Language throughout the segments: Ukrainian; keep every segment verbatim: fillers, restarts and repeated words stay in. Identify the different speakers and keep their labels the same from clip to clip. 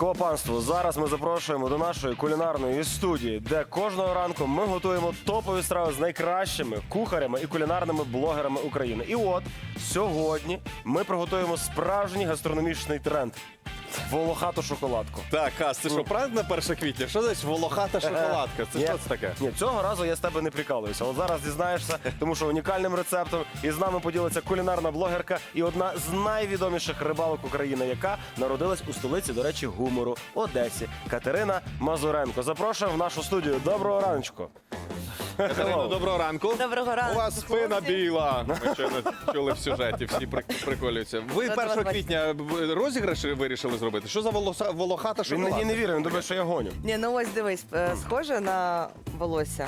Speaker 1: Ласкаво панство, зараз ми запрошуємо до нашої кулінарної студії, де кожного ранку ми готуємо топові страви з найкращими кухарями і кулінарними блогерами України. І от сьогодні ми приготуємо справжній гастрономічний тренд – волохату шоколадку.
Speaker 2: Так, Ас, це що, правда на перше квітня? Що значить волохата шоколадка? Це
Speaker 1: Ні,
Speaker 2: що це таке?
Speaker 1: Ні, цього разу я з тебе не прикалуюся. От зараз дізнаєшся, тому що унікальним рецептом із нами поділиться кулінарна блогерка і одна з найвідоміших рибалок України, яка народилась у столиці, до речі, гумору – Одесі. Катерина Мазуренко. Запрошуємо в нашу студію. Доброго раночку.
Speaker 2: Катерино, доброго ранку.
Speaker 3: Доброго ранку,
Speaker 2: У вас спина
Speaker 3: хлопці.
Speaker 2: біла. Ми щойно чули в сюжеті, всі прик- приколюються. Ви
Speaker 3: От
Speaker 2: першого
Speaker 3: вас
Speaker 2: квітня розіграш вирішили зробити? Що за волоса- волохата
Speaker 1: Він
Speaker 2: шоколадка?
Speaker 1: мені не вірить, він думає, що я гоню.
Speaker 3: Ні, ну ось дивись, е, схоже на волосся.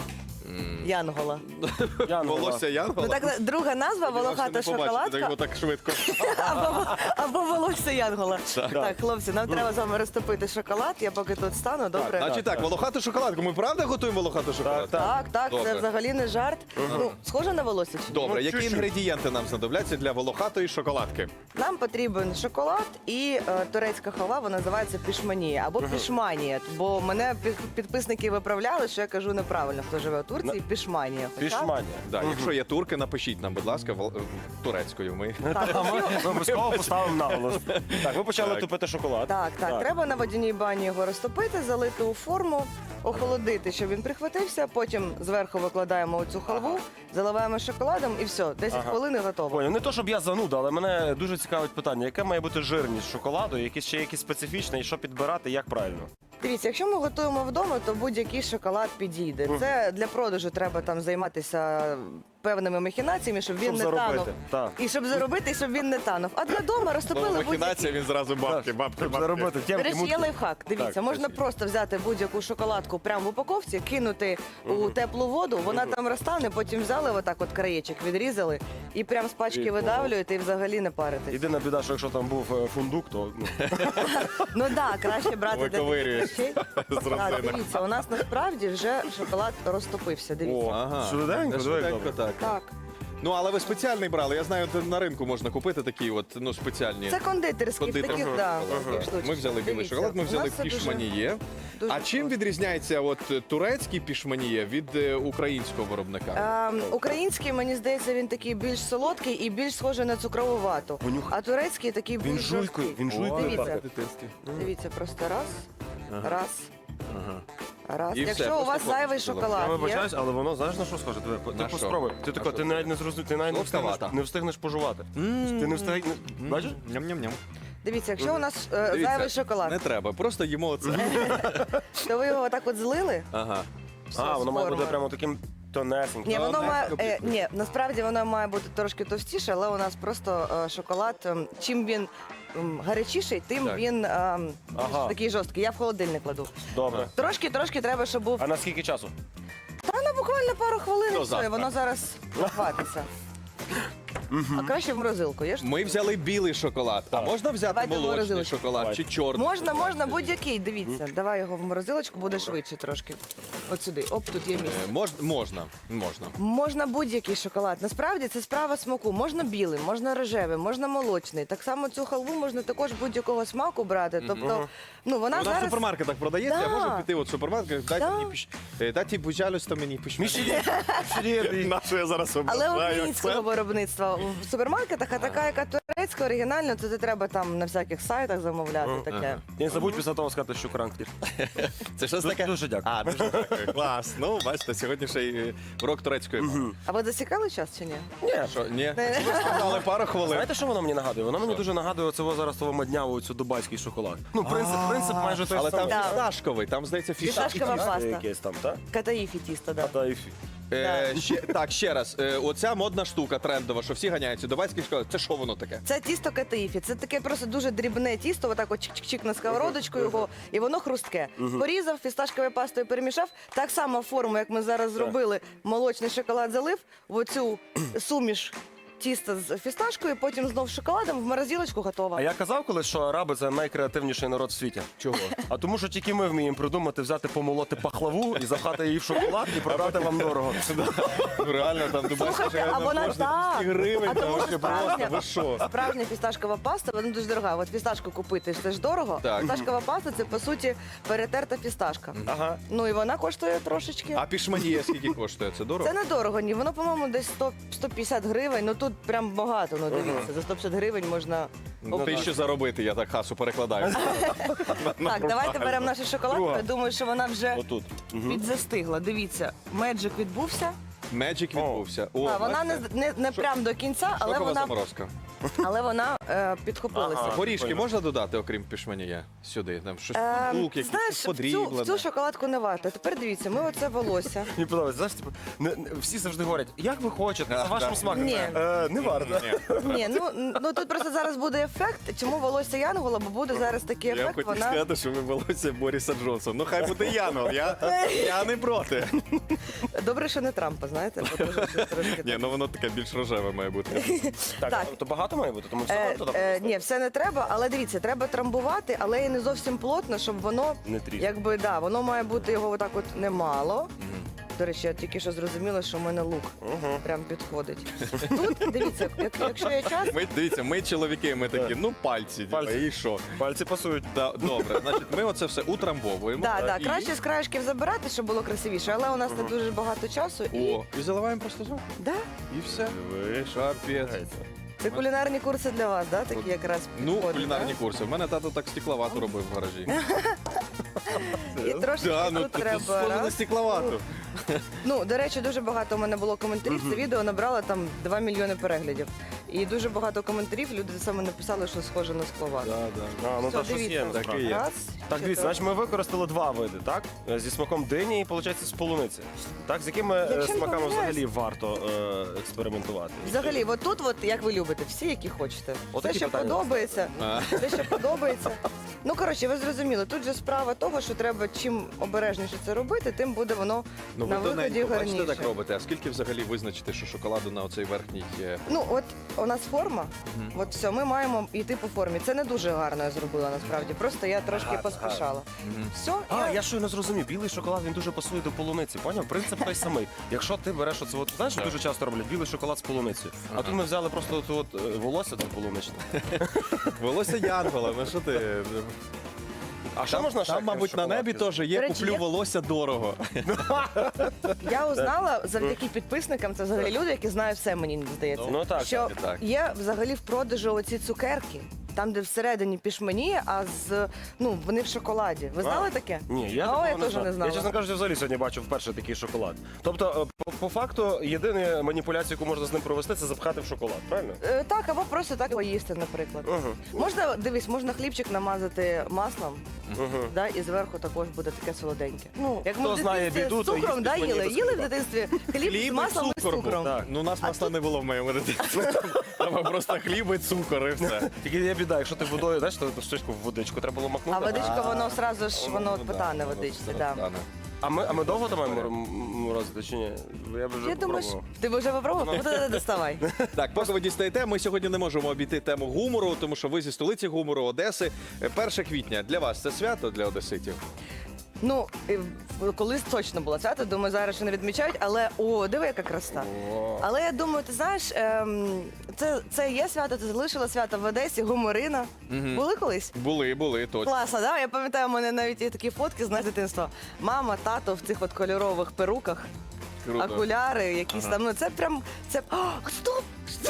Speaker 3: Янгола.
Speaker 1: Янгола.
Speaker 2: Волосся Янгола?
Speaker 3: Ну так друга назва волохата
Speaker 2: Так
Speaker 3: шоколадка
Speaker 2: його так швидко.
Speaker 3: або, або волосся Янгола.
Speaker 2: Так.
Speaker 3: Так, хлопці, нам треба з вами розтопити шоколад. Я поки тут стану, добре?
Speaker 2: Значить так, волохату шоколадку. Ми правда готуємо волохату шоколадку?
Speaker 1: так.
Speaker 3: Так, так,
Speaker 2: Добре.
Speaker 3: це взагалі не жарт. Ну, схоже на волосся чи ні?
Speaker 2: Добре,
Speaker 1: Ну,
Speaker 2: які
Speaker 1: чуть-чуть.
Speaker 2: інгредієнти нам знадобляться для волохатої шоколадки?
Speaker 3: Нам потрібен шоколад і е, турецька халва, вона називається пішманія або пішманія. Бо мене під- підписники виправляли, що я кажу неправильно, хто живе у Турції, пішманія. Хоча-
Speaker 1: Пішманія.
Speaker 2: Да, якщо є турки, напишіть нам, будь ласка, вол- турецькою. Ми
Speaker 3: Так,
Speaker 1: А ми ми обов'язково поставимо наголос. Так, ви почали
Speaker 2: Так.
Speaker 1: тупити шоколад.
Speaker 3: Так, так, треба на водяній бані його розтопити, залити у форму, охолодити, щоб він прихватився. Потім зверху викладаємо оцю халву, заливаємо шоколадом і все, десять
Speaker 1: Ага.
Speaker 3: хвилин і готово.
Speaker 1: Поняв. Не то, щоб я зануда, але мене дуже цікавить питання, яка має бути жирність шоколаду, якісь ще якісь специфічне, і що підбирати, як правильно?
Speaker 3: Дивіться, якщо ми готуємо вдома, то будь-який шоколад підійде. Це для продажу треба там займатися певними махінаціями, щоб він
Speaker 1: Щоб
Speaker 3: не
Speaker 1: заробити.
Speaker 3: танув.
Speaker 1: Так.
Speaker 3: І щоб заробити, і щоб він не танув. А для дома розтопили
Speaker 2: Слово
Speaker 3: будь-який.
Speaker 2: махінація, він зразу бабки, бабки,
Speaker 1: Щоб
Speaker 2: бабки.
Speaker 1: заробити
Speaker 3: До
Speaker 1: тємки,
Speaker 3: речі, є
Speaker 1: мутки.
Speaker 3: лайфхак. Дивіться,
Speaker 1: Так,
Speaker 3: можна
Speaker 1: поясніть.
Speaker 3: просто взяти будь-яку шоколадку прямо в упаковці, кинути у теплу воду, вона там розтане, потім взяли отак от краєчок, відрізали і прям з пачки
Speaker 1: І
Speaker 3: видавлюєте і взагалі не паритесь.
Speaker 1: Єдина біда, що якщо там був е, фундук, то ну,
Speaker 3: Ну так, краще брати для таких
Speaker 2: Виковирюєш
Speaker 3: речей.
Speaker 2: з
Speaker 3: Так,
Speaker 2: родзинок.
Speaker 3: дивіться, у нас насправді вже шоколад розтопився. Дивіться.
Speaker 1: о,
Speaker 2: Ага.
Speaker 1: швиденько,
Speaker 2: Це
Speaker 1: диви, як
Speaker 2: швиденько,
Speaker 1: добре.
Speaker 2: так.
Speaker 3: Так.
Speaker 2: Ну, але ви спеціальний брали. Я знаю, де на ринку можна купити такі от, ну, спеціальні.
Speaker 3: Це кондитерські, в
Speaker 2: Кондитер.
Speaker 3: таких, да, таких штучках.
Speaker 2: Ми взяли білий
Speaker 3: Дивіться,
Speaker 2: шоколад, ми
Speaker 3: у
Speaker 2: взяли
Speaker 3: нас це дуже-
Speaker 2: пішманіє.
Speaker 3: дуже
Speaker 2: А чим
Speaker 3: просто.
Speaker 2: відрізняється от турецький пішманіє від е, українського виробника?
Speaker 3: Ем, український, мені здається, він такий більш солодкий і більш схожий на цукрову вату.
Speaker 1: Понюхай.
Speaker 3: А турецький такий
Speaker 1: Він
Speaker 3: більш
Speaker 1: жуйкою,
Speaker 3: жорсткий.
Speaker 1: він жуйкою.
Speaker 3: Дивіться.
Speaker 1: так.
Speaker 3: Дивіться, просто раз, раз,
Speaker 2: Ага.
Speaker 3: раз.
Speaker 2: І все,
Speaker 3: Якщо у
Speaker 2: просто
Speaker 3: вас зайвий
Speaker 2: повністю
Speaker 1: Я
Speaker 3: шоколад є,
Speaker 1: вибачаюсь, але воно знаєш на що схоже? Ти, ти
Speaker 2: На що?
Speaker 1: поспробуй. Ти тако,
Speaker 2: що
Speaker 1: ти
Speaker 2: це?
Speaker 1: навіть не зрозумів, ти навіть не встигнеш,
Speaker 2: Солодковата.
Speaker 1: не встигнеш пожувати. Ти не встигнеш, бачиш?
Speaker 2: Ням-ням-ням.
Speaker 3: дивіться, якщо у нас е,
Speaker 2: Дивіться,
Speaker 3: зайвий шоколад,
Speaker 2: Не треба, просто їмо оце.
Speaker 3: то ви його так от злили.
Speaker 2: Ага.
Speaker 3: все,
Speaker 1: А,
Speaker 3: з
Speaker 1: воно має бути
Speaker 3: формою.
Speaker 1: прямо таким тонесеньким.
Speaker 3: Ні, воно
Speaker 2: не
Speaker 3: має
Speaker 2: копійку.
Speaker 3: е, ні, насправді воно має бути трошки товстіше, але у нас просто е, шоколад. ем, чим він ем, гарячіший, тим
Speaker 2: Так.
Speaker 3: він ем, більш
Speaker 1: Ага.
Speaker 3: такий жорсткий. Я в холодильник кладу.
Speaker 1: Добре.
Speaker 3: Трошки, трошки треба, щоб був.
Speaker 1: А на скільки часу?
Speaker 3: Та на буквально пару хвилин і
Speaker 2: До
Speaker 3: все,
Speaker 2: завтра.
Speaker 3: і воно зараз хватиться. А краще в морозилку. Є ж?
Speaker 2: Ми взяли білий шоколад. А можна взяти
Speaker 3: Давайте
Speaker 2: молочний
Speaker 3: морозилочку.
Speaker 2: шоколад
Speaker 1: Давайте.
Speaker 2: чи чорний?
Speaker 3: Можна, можна, будь-який. Дивіться, давай його в морозилочку, буде швидше трошки. От сюди. Оп, тут є місце.
Speaker 2: Е, Мож, можна, можна.
Speaker 3: Можна будь-який шоколад. Насправді це справа смаку. Можна білий, можна рожевий, можна молочний. Так само цю халву можна також будь-якого смаку брати. Тобто, ну вона
Speaker 2: Вона в
Speaker 3: зараз.
Speaker 2: супермаркетах продається,
Speaker 3: Да.
Speaker 2: я можу піти от в супермаркет, дайте
Speaker 3: Да.
Speaker 2: мені піш... е, дайте, пожалуйста, мені пішманіє.
Speaker 1: Мішелєд.
Speaker 2: На що я зараз
Speaker 3: Але
Speaker 2: обожаю
Speaker 3: українського
Speaker 2: це.
Speaker 3: виробництва в супермаркетах, а така, яка турецька, оригінальна, то це треба там на всяких сайтах замовляти. Таке.
Speaker 1: І не забудь після того сказати, що кранк.
Speaker 2: Це щось
Speaker 1: Дуже-
Speaker 2: таке?
Speaker 1: дуже дякую.
Speaker 2: А, дуже дякую. Клас. Ну, бачите, сьогодні ще й е, урок турецької мови.
Speaker 3: А ви засікали час чи ні?
Speaker 1: Ні.
Speaker 2: Що, ні?
Speaker 3: Не.
Speaker 2: Ви сказали пару хвилин.
Speaker 1: Знаєте, що воно мені нагадує? Воно мені дуже нагадує оцього зараз того маднявого, цю дубайський шоколад. Ну, принцип, принцип майже той
Speaker 2: Але там
Speaker 1: самий.
Speaker 3: Да.
Speaker 2: фісташковий, там, здається,
Speaker 3: Фісташкова
Speaker 2: фісташковий.
Speaker 3: паста.
Speaker 1: Якесь там, так?
Speaker 3: Катаїфі тісто, да.
Speaker 1: Та і фі.
Speaker 2: Е, ще, так, ще раз. Е, оця модна штука трендова, що всі ганяються. Дубайський шоколад. Це що воно таке?
Speaker 3: Це тісто катаїфі. Це таке просто дуже дрібне тісто, отак от чик-чик-чик на сковородочку його, і воно хрустке. Порізав, фісташковою пастою перемішав. Так само форму, як ми зараз зробили, молочний шоколад залив, в оцю суміш тісто з фісташкою, потім знов з шоколадом, в морозилочку готова.
Speaker 1: А я казав колись, що араби це найкреативніший народ в світі.
Speaker 2: Чого?
Speaker 1: А тому, що тільки ми вміємо придумати, взяти, помолоти пахлаву і запхати її в шоколад і продати вам дорого.
Speaker 2: Ну, реально, там ти бачиш,
Speaker 3: Слухайте,
Speaker 2: що
Speaker 3: а вона
Speaker 2: можна
Speaker 3: так.
Speaker 2: двісті гривень,
Speaker 3: А
Speaker 2: там
Speaker 3: тому що
Speaker 2: вообще просто,
Speaker 3: справжня,
Speaker 2: ви що?
Speaker 3: справжня фісташкова паста, вона дуже дорога. От фісташку купити, це ж дорого.
Speaker 2: Так.
Speaker 3: Фісташкова паста – це, по суті, перетерта фісташка.
Speaker 1: Ага.
Speaker 3: Ну і вона коштує трошечки.
Speaker 2: А пішманія скільки коштує? Це дорого?
Speaker 3: Це недорого, ні. Воно, по-моєму, десь сто сто п'ятдесят гривень. Ну тут прям багато, ну дивіться. За сто п'ятдесят гривень можна...
Speaker 2: Ну, ти що заробити, я так хасу перекладаю.
Speaker 3: Так, давайте беремо нашу шоколадку.
Speaker 1: Друга.
Speaker 3: Я думаю, що вона вже
Speaker 1: Отут. Мгм.
Speaker 3: підзастигла. Дивіться, меджик відбувся.
Speaker 2: Меджик відбувся. О,
Speaker 3: А, вона не,
Speaker 2: бачите?
Speaker 3: не, не прям до кінця, але
Speaker 2: Шокова
Speaker 3: вона,
Speaker 2: заморозка.
Speaker 3: але вона е, підхопилася.
Speaker 1: Ага.
Speaker 2: Горішки
Speaker 1: Понял.
Speaker 2: можна додати, окрім пішманія, сюди? Там щось
Speaker 3: Ем,
Speaker 2: фундук, якийсь
Speaker 3: знаєш,
Speaker 2: щось
Speaker 3: в цю, в
Speaker 2: подріблене.
Speaker 3: цю шоколадку не варто. Тепер дивіться, ми оце волосся.
Speaker 1: Мені подобається, знаєш, типу, не, не- всі завжди говорять, як ви хочете, за
Speaker 2: Да,
Speaker 1: вашим
Speaker 2: да.
Speaker 1: смаком.
Speaker 3: Ні.
Speaker 1: Е, не варто.
Speaker 3: Ні, ну, ну тут просто зараз буде ефект. Чому волосся Янгола? Бо буде зараз такий
Speaker 2: Я
Speaker 3: ефект.
Speaker 2: хотів
Speaker 3: Вона
Speaker 2: сказати, що ви волосся Боріса Джонсона. Ну хай буде Янгол, я, я не проти.
Speaker 3: добре, що не Трампа, знаєте, бо дуже трошки.
Speaker 2: Ні, ну воно таке більш рожеве має бути.
Speaker 1: Так,
Speaker 3: Так.
Speaker 1: то багато має бути, тому все
Speaker 3: Е,
Speaker 1: варто туди
Speaker 3: е,
Speaker 1: просто?
Speaker 3: ні, все не треба, але дивіться, треба трамбувати, але і не зовсім плотно, щоб воно
Speaker 1: Не тріс.
Speaker 3: якби да, воно має бути його отак от немало. До речі, я тільки що зрозуміла, що в мене лук
Speaker 1: Угу.
Speaker 3: прям підходить. Тут дивіться, як, якщо є час,
Speaker 2: Ми, дивіться, ми чоловіки, ми такі,
Speaker 1: Так.
Speaker 2: ну пальці, типа,
Speaker 1: Пальці.
Speaker 2: і що?
Speaker 1: Пальці пасують.
Speaker 2: Да, добре, значить, ми оце все утрамбовуємо.
Speaker 3: да, да,
Speaker 2: І-
Speaker 3: краще з краєшків забирати, щоб було красивіше, але у нас не дуже багато часу. І,
Speaker 2: О, і заливаємо просто зверху.
Speaker 3: да,
Speaker 2: І все.
Speaker 1: Диви, що
Speaker 2: Капець.
Speaker 1: відбувається.
Speaker 3: це кулінарні курси для вас, да, такі якраз
Speaker 2: Ну,
Speaker 3: підходять,
Speaker 2: кулінарні
Speaker 3: да?
Speaker 2: курси. У мене тато так стекловату робив в гаражі.
Speaker 3: І трошки
Speaker 2: Да, ну
Speaker 3: тут
Speaker 2: тут
Speaker 3: треба.
Speaker 2: схоже на
Speaker 3: раз.
Speaker 2: стекловату.
Speaker 3: Ну, до речі, дуже багато у мене було коментарів. Це відео набрало там два мільйони переглядів. І дуже багато коментарів. Люди саме написали, що схоже на скловату.
Speaker 2: Да, да.
Speaker 1: А, ну
Speaker 3: Все,
Speaker 1: так щось є,
Speaker 3: дивіться.
Speaker 1: насправді.
Speaker 2: Так і є.
Speaker 3: Раз,
Speaker 1: Так, дивіться,
Speaker 3: чотири.
Speaker 1: значить ми використали два види, так? Е, Зі смаком дині і, виходить, з полуниці. Так, з якими е,
Speaker 3: Якщо не
Speaker 1: смаками
Speaker 3: помиляюсь-
Speaker 1: взагалі варто е, експериментувати?
Speaker 3: Взагалі, от тут, от, як ви любите, всі, які хочете. Все,
Speaker 1: Отакі
Speaker 3: що
Speaker 1: питання.
Speaker 3: подобається,
Speaker 2: А.
Speaker 3: все, що подобається. Ну, коротше, ви зрозуміли, тут же справа того, що треба чим обережніше це робити, тим буде воно
Speaker 2: Ну,
Speaker 3: на
Speaker 2: ви
Speaker 3: виході
Speaker 2: тоненько,
Speaker 3: гарніше.
Speaker 2: бачите, так робите. А скільки взагалі визначити, що шоколаду на оцей верхній є?
Speaker 3: Ну, от у нас форма, от все, ми маємо йти по формі. Це не дуже гарно я зробила насправді. Просто я трошки
Speaker 1: Гарно,
Speaker 3: поспішала. Все,
Speaker 1: А, я щойно зрозумів, білий шоколад він дуже пасує до полуниці. Поняв? Принцип той самий. Якщо ти береш оце, от, знаєш, що
Speaker 2: Так.
Speaker 1: дуже часто роблять білий шоколад з полуницею. А
Speaker 2: Ага.
Speaker 1: тут ми взяли просто от, от, е, волосся там полуничне.
Speaker 2: Волосся Янгола, ну що ти?
Speaker 1: А що
Speaker 2: Там,
Speaker 1: можна ще
Speaker 2: там, мабуть, на
Speaker 1: шоколадки?
Speaker 2: небі теж є
Speaker 3: До речі,
Speaker 2: куплю
Speaker 3: є-
Speaker 2: волосся дорого.
Speaker 3: я узнала завдяки підписникам, це взагалі люди, які знають все, мені здається.
Speaker 1: Ну так,
Speaker 3: що
Speaker 2: так, так.
Speaker 3: є взагалі в продажу оці цукерки, там, де всередині пішмені, а з ну вони в шоколаді. Ви знали таке?
Speaker 1: Ні, я
Speaker 3: О,
Speaker 1: такого
Speaker 3: я
Speaker 1: не
Speaker 3: теж
Speaker 1: знав.
Speaker 3: не знала.
Speaker 1: Я, чесно кажучи, взагалі сьогодні бачив вперше такий шоколад. Тобто, е, по, по факту, єдина маніпуляція, яку можна з ним провести, це запхати в шоколад, правильно?
Speaker 3: Е, Так, або просто так поїсти, наприклад.
Speaker 1: Угу.
Speaker 3: Можна, дивись, можна хлібчик намазати маслом,
Speaker 1: Угу.
Speaker 3: да, і зверху також буде таке солоденьке. Ну, як
Speaker 1: хто
Speaker 3: ми в
Speaker 1: знає
Speaker 3: дитинстві
Speaker 1: біду,
Speaker 3: з
Speaker 1: то
Speaker 3: цукром,
Speaker 1: їсти
Speaker 3: да,
Speaker 1: мені
Speaker 3: їли?
Speaker 1: без
Speaker 3: Їли в
Speaker 1: хліба.
Speaker 3: дитинстві хліб, з маслом і з цукром.
Speaker 1: Так.
Speaker 2: Ну, у нас масла не було в моєму дитинстві. Там просто хліб і цукор, і все.
Speaker 1: Тільки є біда, якщо ти водою, знаєш, то штучку в водичку треба було макнути.
Speaker 3: А водичка, воно одразу ж, воно
Speaker 2: Ну, да,
Speaker 3: потане
Speaker 2: воно
Speaker 3: водичці,
Speaker 2: все
Speaker 3: да.
Speaker 2: потане.
Speaker 1: А ми, а ми довго там маємо м- морозити чи ні? Я б вже
Speaker 3: Я думаю, що
Speaker 1: попробував.
Speaker 3: ти вже попробував? Ну, доставай.
Speaker 2: Так, поки ви дістаєте, ми сьогодні не можемо обійти тему гумору, тому що ви зі столиці гумору Одеси. перше квітня для вас це свято для одеситів?
Speaker 3: Ну, е, в- колись точно було свято, думаю, зараз ще не відмічають, але о, диви, яка краса.
Speaker 1: О.
Speaker 3: Але я думаю, ти знаєш, ем, це, це є свято, ти залишила свято в Одесі, гуморина.
Speaker 2: Мгм.
Speaker 3: Були колись?
Speaker 2: Були, були, точно.
Speaker 3: Класно, да? Я пам'ятаю, у мене навіть є такі фотки з нас дитинства. Мама, тато в цих от кольорових перуках,
Speaker 2: Круто.
Speaker 3: окуляри, якісь там. Ну це прям. Це. О, стоп! Стоп!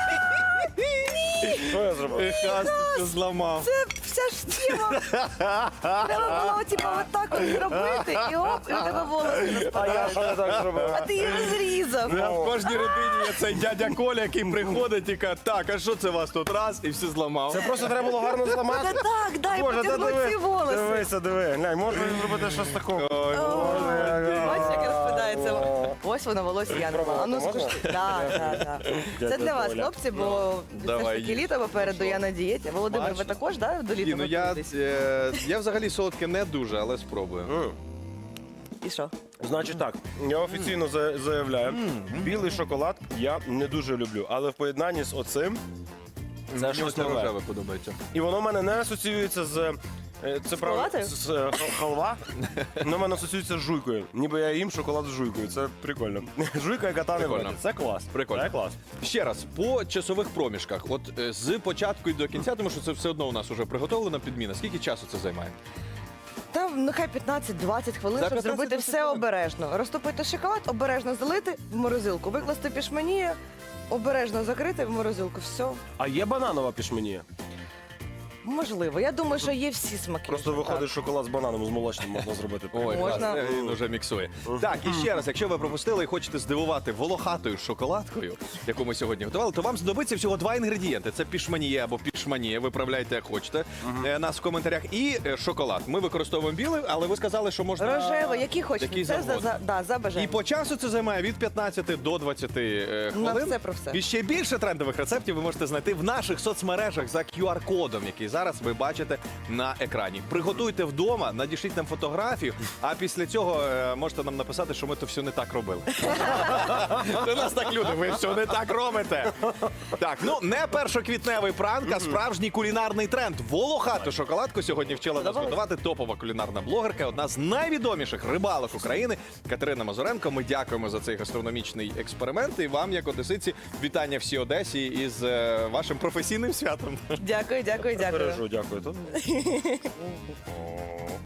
Speaker 1: Що я зробив?
Speaker 2: Ех, Ас, ти що зламав.
Speaker 3: Це вся ж тема. Треба було типу, отак от зробити, і оп, і у тебе волоси
Speaker 1: А я
Speaker 3: розпадають.
Speaker 1: що я так зробив?
Speaker 3: А ти її розрізав.
Speaker 2: Да, в кожній родині є цей дядя Коля, який приходить і каже, так, а що це вас тут раз? І все зламав.
Speaker 1: Це просто треба було гарно
Speaker 3: Та
Speaker 1: зламати.
Speaker 3: так, дай
Speaker 1: Боже, та
Speaker 3: потягнути
Speaker 1: диви,
Speaker 3: ці волоси.
Speaker 1: дивися, диви. Глянь, можна зробити щось такого.
Speaker 2: Ой,
Speaker 3: Бачиш, як розпадається. Ось воно волосся Янгола. А ну
Speaker 1: Можна?
Speaker 3: скажи. Так, так, так. Це
Speaker 1: Дядя
Speaker 3: для вас,
Speaker 1: Коля.
Speaker 3: хлопці, бо все ж
Speaker 2: Давай,
Speaker 3: таки
Speaker 2: їж.
Speaker 3: літо попереду, я на дієті. Володимир, ви
Speaker 2: Бачиш?
Speaker 3: також, да, до
Speaker 2: Ні,
Speaker 3: літа
Speaker 2: ну я,
Speaker 3: готуєтесь?
Speaker 2: е, я взагалі солодке не дуже, але спробую.
Speaker 1: М.
Speaker 3: І що?
Speaker 1: Значить так, я офіційно за- заявляю, білий шоколад я не дуже люблю, але в поєднанні з оцим це
Speaker 2: Мені
Speaker 1: щось
Speaker 2: оце
Speaker 1: нове.
Speaker 2: рожеве подобається.
Speaker 1: І воно в мене не асоціюється з. е, Це правда
Speaker 3: Шоколадою?
Speaker 1: з з, е, хал- халва. Воно в мене асоціюється з жуйкою. Ніби я їм шоколад з жуйкою. Це прикольно. Жуйка, яка тане в
Speaker 2: Прикольно.
Speaker 1: роті. Це клас.
Speaker 2: Прикольно.
Speaker 1: Це клас.
Speaker 2: Ще раз, по часових проміжках, от е, з початку і до кінця, тому що це все одно у нас вже приготовлена підміна. Скільки часу це займає?
Speaker 3: Там нехай п'ятнадцять-двадцять хвилин,
Speaker 2: За
Speaker 3: щоб зробити
Speaker 2: п'ятнадцять-двадцять
Speaker 3: все
Speaker 2: хвилин?
Speaker 3: обережно. Розтопити шоколад, обережно залити в морозилку, викласти пішманію, обережно закрити в морозилку. Все.
Speaker 1: А є бананова пішменія?
Speaker 3: Можливо. Я думаю, що є всі смаки.
Speaker 1: Просто
Speaker 3: Так.
Speaker 1: виходить шоколад з бананом, з молочним можна зробити.
Speaker 2: Ой,
Speaker 3: Можна.
Speaker 2: клас, він вже міксує. Так, і ще раз, якщо ви пропустили і хочете здивувати волохатою шоколадкою, яку ми сьогодні готували, то вам знадобиться всього два інгредієнти. Це пішманіє або пішманіє, виправляйте, як хочете. Е, Нас в коментарях. І е, шоколад. Ми використовуємо білий, але ви сказали, що можна...
Speaker 3: Рожевий, який хочете.
Speaker 2: Який
Speaker 3: Це за,
Speaker 2: завгодно.
Speaker 3: за, да, за
Speaker 2: І
Speaker 3: бажанням.
Speaker 2: по часу це займає від п'ятнадцяти до двадцяти е,
Speaker 3: На
Speaker 2: хвилин.
Speaker 3: все про все.
Speaker 2: І ще більше трендових рецептів ви можете знайти в наших соцмережах за кю ар-кодом, який зараз ви бачите на екрані. Приготуйте вдома, надішліть нам фотографію, а після цього е, можете нам написати, що ми то все не так робили. Це нас так люди, ви все не так робите. Так, ну не першоквітневий пранк, а справжній кулінарний тренд. Волохату шоколадку сьогодні вчила нас
Speaker 3: Сподобалось?
Speaker 2: готувати топова кулінарна блогерка, одна з найвідоміших рибалок України Катерина Мазуренко. Ми дякуємо за цей гастрономічний експеримент. І вам, як одесиці, вітання всій Одесі із е, вашим професійним святом.
Speaker 3: Дякую, дякую, дякую.
Speaker 1: Бережу, дякую.